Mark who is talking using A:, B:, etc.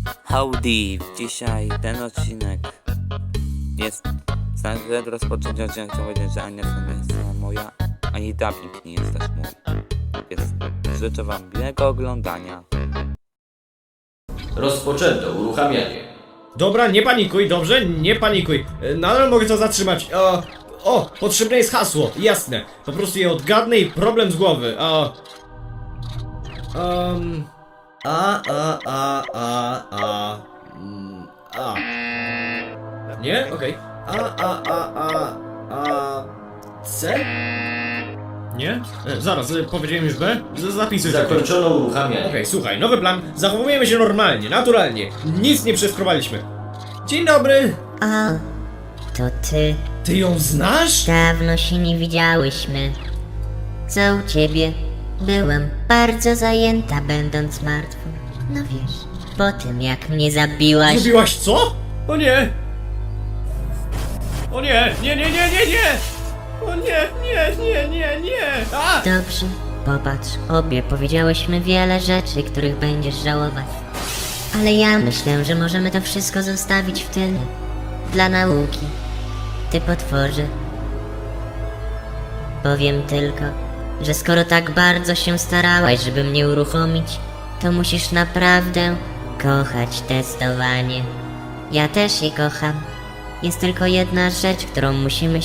A: Howdy! Dzisiaj ten odcinek jest... Przed rozpoczęciem odcinka chciałem powiedzieć, że ani nie jest moja, ani dubbing nie jest też mój. Więc życzę wam miłego oglądania.
B: Rozpoczęto uruchamianie.
C: Dobra, nie panikuj, dobrze? Nie panikuj. Nadal mogę to zatrzymać. Potrzebne jest hasło, jasne. Po prostu je odgadnę i problem z głowy. Nie? Okej. C? Nie? Zaraz, powiedziałem już B? Zapisuj to.
B: Zakończono uruchamianie.
C: Okej, słuchaj, nowy plan. Zachowujemy się normalnie, naturalnie. Nic nie przeskrobaliśmy. Dzień dobry.
D: O, to ty.
C: Ty ją znasz?
D: Dawno się nie widziałyśmy. Co u ciebie? Byłam bardzo zajęta, będąc martwą. No wiesz, po tym jak mnie zabiłaś.
C: Zrobiłaś co? O nie! O nie! Nie! O nie! A!
D: Dobrze, popatrz, obie powiedziałyśmy wiele rzeczy, których będziesz żałować. Ale ja myślę, że możemy to wszystko zostawić w tyle. Dla nauki. Ty potworze. Powiem tylko, że skoro tak bardzo się starałaś, żeby mnie uruchomić, to musisz naprawdę kochać testowanie. Ja też je kocham. Jest tylko jedna rzecz, którą musimy